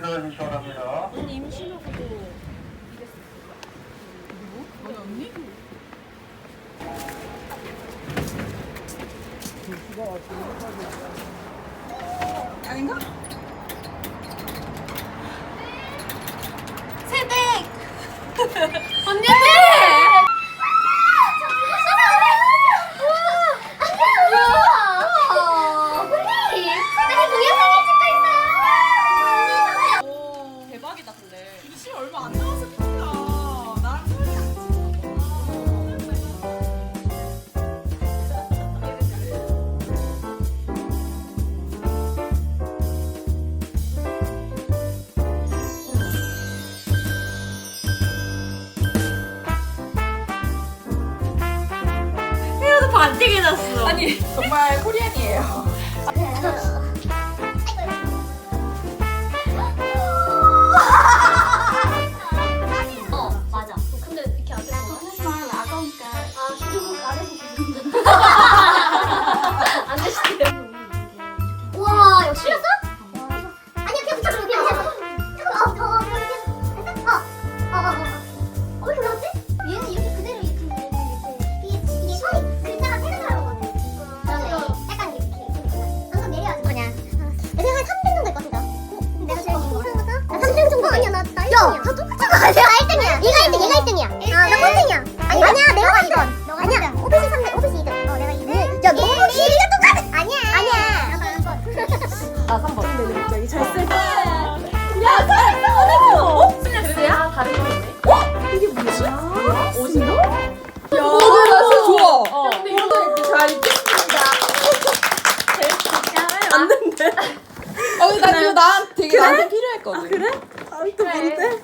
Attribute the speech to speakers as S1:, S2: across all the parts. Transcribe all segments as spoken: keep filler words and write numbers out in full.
S1: 대단히 시원합니다.
S2: 언니 임신하고도 이랬어.
S3: 누구? 아니 언니? 아닌가?
S2: 세댁! 언니들! 대박이다 근데.
S3: 이시 얼마 안 남았을 뿐이야. 나랑 소리랑
S2: 헤어도 반띵 해놨어.
S3: 아니 정말 코리안이에요.
S4: 어 맞아. 근데 이렇게 앞에 하지만 아까우니까 아 주둥 아래서 안 되시대. 와 이거 실렸어? 아니야 그냥 붙여줘 그냥 그냥. 잠깐 어어 그냥 그냥. 어어어어 왜 이렇게 어렵지? 얘는 이렇게 그대로 이렇게 이렇게 이게 이게 손이 글자가 세는 거라고 거든. 그러네. 약간 이렇게 방금 내려야지. 뭐냐? 내가 한 삼 등 정도 할것 같다. 내가 제일 이상하다. 나 삼 등 정도 아니야 나 나 일 등이야. 야, 다 똑같잖아. 내가 일 등이야. 네가 일 등, 얘가 일 등이야. 아, 나 꼴등이야. 아니, 아니야, 내가 이 등. 아니야, 오피스 삼 등, 오피스 이 등. 어, 내가 이 등. 야, 너랑 길이가 똑같아. 아니야. 아니야.
S2: 나 삼 번. 근데 갑자기 잘 쓸.
S3: 야 잘했어.
S2: 어? 스낵스야? 다른 거 있네.
S3: 이게 뭐지?
S2: 옷인가?
S3: 야, 오늘 날씨 좋아.
S2: 어.
S3: 근데 이렇게 잘 입겠습니다.
S2: 맞는데?
S3: 어, 나 이거 나 되게 그래? 나한테 필요했거든. 아,
S2: 그래?
S3: 아니 또 뭔데?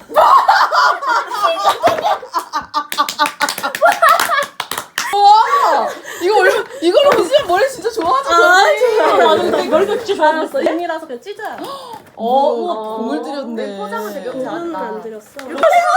S3: 와, 이거 얼마 이걸로 빗으면 머리 진짜 좋아하지.
S2: 나는 근데 머리가 진짜 좋아졌어. 인이라서 그냥 찢어요.
S3: 어, 우와, 공을 들였네.
S2: 포장은 되게
S4: 음,
S2: 잘했다.
S4: 안
S2: 드렸어.
S4: 되게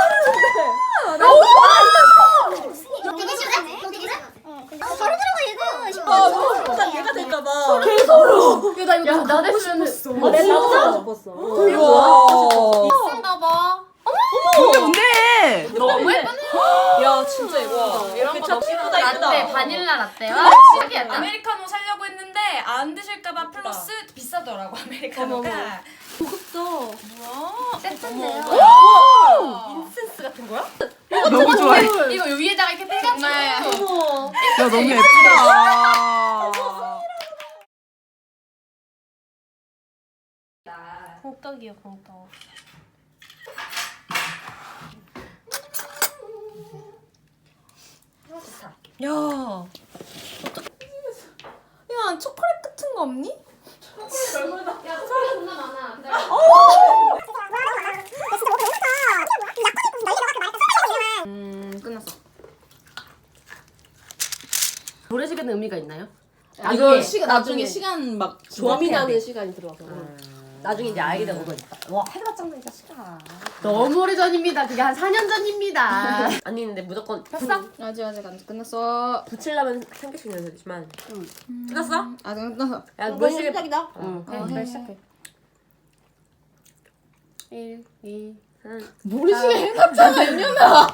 S4: 싫네? 너 되게 싫어? 어, 바로 들어가 얘가 싶어.
S3: 아, 너무
S2: 나 얘가 될까봐. 개소로. 야, 나 이거 야, 나 됐으면. 아, 내 나도 싶었어.
S3: 우와.
S2: 입술가 봐.
S3: 이게 뭔데?
S2: 너무 예쁘네.
S3: 야, 진짜 이거.
S2: 이런 거 너무 예쁘다.
S5: 라떼, 바닐라 라떼와
S2: 아,
S5: 신기하다.
S2: 아메리카노 살려고 했는데 안 드실까봐 플러스 비싸더라고 아메리카노가.
S5: 고급져.
S2: 뭐야?
S5: 세트인데요.
S2: 인센스 같은 거야?
S3: 너무 좋아해.
S2: 이거 위에다가 이렇게 빼가지고.
S5: 어머.
S3: 야, 너무 예쁘다.
S5: 공떡이요, 공떡.
S3: 야. 야, 초콜릿 같은 거 없니?
S5: 야, 소리 존나 많아. 기다려.
S2: 음 끝났어.
S5: 모래시계는 의미가 있나요?
S3: 아, 이거
S5: 나중에,
S3: 시간 나중에 시간 막
S5: 점이
S3: 조합해야
S5: 나는
S3: 돼.
S5: 시간이 들어와서.
S2: 나중에 이제 아이가 오니까. 와 해가 짱나니까 시간.
S5: 너무 오래 전입니다. 그게 한 사 년 전입니다.
S2: 아니 근데 무조건
S5: 폈어?
S3: 아직 아직 안 끝났어.
S2: 붙이려면 한 개씩 넣어야 되지만. 응. 끝났어?
S3: 아직 안 끝났어.
S2: 야 물시계.
S5: 시작이다.
S2: 응.
S5: 어,
S3: 해.
S5: 해. 시작해.
S2: 일, 이, 삼.
S3: 모리시계 해놨잖아, 이년아.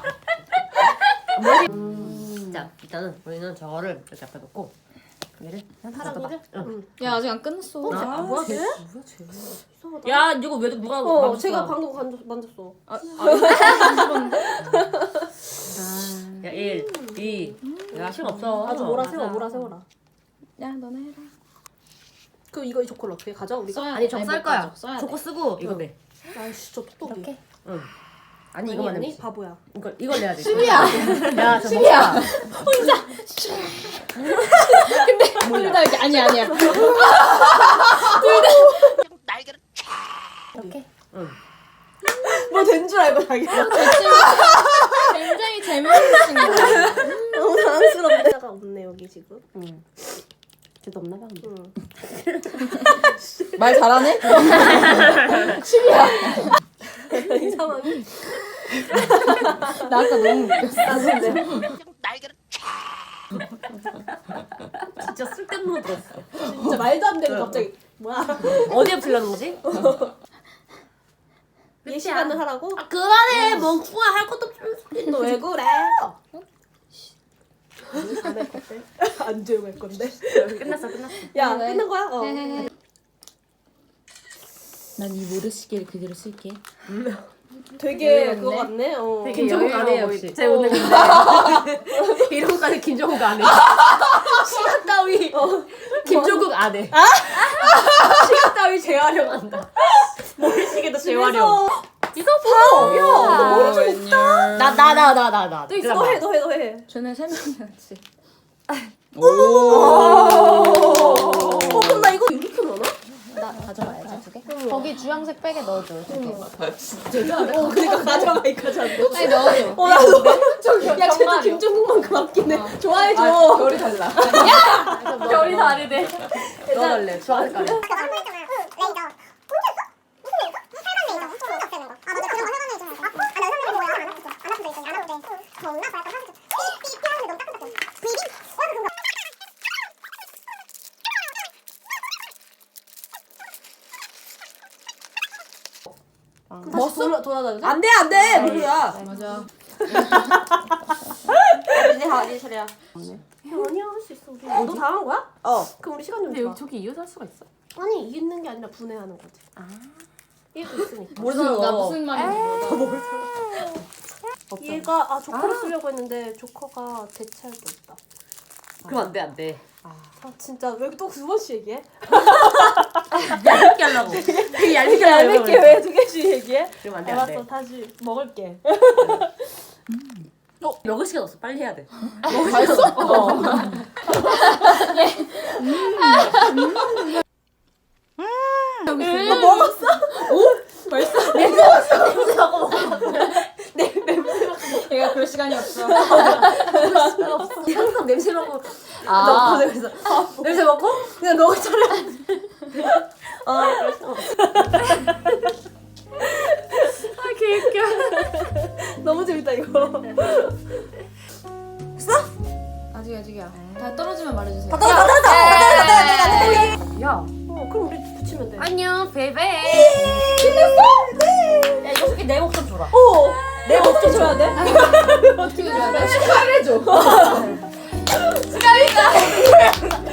S2: 자 일단은 우리는 저거를 이렇게 앞에 놓고 얘를
S5: 사랑이를?
S2: 응.
S3: 야, 아직 안 끝났어.
S2: 아,
S5: 아,
S2: 뭐야
S5: 쟤?
S2: 쟤? 뭐야 쟤? 야 이거 왜 누가
S5: 어,
S2: 만졌어?
S5: 제가 방금 만졌, 만졌어.
S2: 야 일, 이. 야 시간 없어.
S5: 아주 몰아세워, 몰아세워라.
S3: 야, 너네 해라.
S5: 그럼 이거 이 조콜 어떻게 가져, 우리가?
S3: 써야
S2: 아니
S3: 돼.
S2: 저거
S3: 아니,
S2: 쌀
S3: 못
S2: 거야.
S3: 가져. 써야
S2: 저거
S3: 돼.
S2: 쓰고 이거 내.
S5: 아이씨, 저 톡톡이.
S2: 이렇게? 응. 아니
S5: 아니,
S2: 이거만
S5: 아니,
S2: 내.
S5: 바보야.
S2: 이걸 이걸 내야 돼.
S3: 시비야.
S2: 야, 저 시비야.
S3: 둘 다 이렇게 아니 아니야.
S5: 이렇게?
S2: 응.
S5: 뭐 된 줄 알고 자기가.
S3: 굉장히 재밌는 친구야.
S5: 너무 당황스럽네. 가 없네, 여기 지금.
S2: 응. 쟤도 없나 봐.
S5: 응.
S3: 말 잘하네?
S5: 이 상황이.
S3: 나 아까 너무 웃겼어.
S2: 진짜 쓸데없는 거 들었어.
S5: 진짜 말도 안 되는 갑자기. 뭐야?
S2: 어디에 풀려는 거지? 예시간을 하라고?
S5: 아 그만해 멍충아 할 것도 없으면서
S2: 너 왜 그래? 안 조용할 건데.
S5: 끝났어 끝났어
S2: 야 끝난 거야? 어.
S3: 난 이 모래시계를 그대로 쓸게.
S2: 되게 그거 같네. 어.
S5: 되게
S3: 김정욱 안 해,
S5: 여유로워
S3: 역시.
S5: 제 오늘 근데 이런거까지 김종국 안 해. 시간 따위 김종국 안 해. 시간 따위 재활용한다. 모래시계도 재활용. 이거 봐.
S2: 야, 너 머리 좀
S3: 없다.
S5: 나 나 나 나 나 나.
S2: 너 있어. 너 해, 너 해, 너 해.
S3: 쟤네 세 명이었지.
S2: 오. 어, 그럼 나 이거 이렇게 넣나?
S3: 나 가져가야지 두 개.
S5: 거기 주황색 백에 넣어줘.
S2: 어, 그러니까 가져가 이거잖아.
S3: 아니 넣어줘.
S2: 어, 나도. 저기, 야, 쟤도 김종국만큼 아끼네.
S3: 아,
S2: 좋아해줘.
S3: 결이 달라.
S5: 결이 다르네.
S3: 넣어달래. 좋아할 거야.
S4: 레이저. 공주였어? 무슨 레이저? 빨간 레이저. 손 없애는 거. 아 맞아. 그런 거 빨간 레이저. 아, 나 의사님이 뭐야? 안 아프지? 안 아프지? 있더니 안 아프대. 뭔가 봐. 약간 하겠지. 삐삐 피하는데 너무 따뜻해. 비비? 어, 그거.
S2: 다시 돌아, 돌아다녀? 안 돼, 안 돼! 무리야.
S3: 맞아.
S2: 이제 하, 이제 차례야. 아니야, 할 수 있어. 우리. 어, 너 다 한 거야? 어. 그럼 우리 시간 좀
S5: 근데
S2: 줘.
S5: 여기 저기 이어서 할 수가 있어?
S2: 아니, 이기는 게 아니라 분해하는 거지. 아. 얘도 있으니까.
S3: 모르겠어. 나 무슨 말인지 몰라.
S2: 얘가, 아, 조커를 쓰려고 했는데, 조커가 대체할 게 없다.
S5: 그럼 안 돼 안 돼.
S2: 아, 진짜, 왜 또 두 번씩 얘기해?
S5: 얇게 하려고. 되게 얇게 하려고.
S2: 얇게 왜 두 개씩 얘기해?
S5: 그럼 안 돼, 안 돼.
S2: 알았어, 다시 먹을게.
S5: 어, 먹을 시간 없어. 빨리 해야 돼.
S3: 맛있어? 어.
S2: 너 먹었어? 오? 벌써? 냄새 맡고 냄새 맡고 먹었어.
S3: 얘가 그럴 시간이 없어.
S2: 항상 냄새 맡고
S3: 아.
S2: 넣고 그래서 냄새 맡고 그냥 넣을 차례. 아, 그럴 수 없어.
S5: 아, 개웃겨.
S2: 너무 재밌다 이거.
S3: 아직 아직이야. 다 떨어지면 말해주세요.
S2: 다 떨어져, 다 떨어져, 다 떨어져, 다 떨어져.
S5: 야.
S2: 어, 그럼 우리 붙이면 돼.
S5: 안녕, 베베.
S2: 끝났어? 네.
S5: 야, 이거 솔직히 내 목좀 줘라.
S2: 어, 내 목좀 줘야 돼?
S3: 어떻게 줘야 돼? 축하를 해줘.
S2: 축하합니다.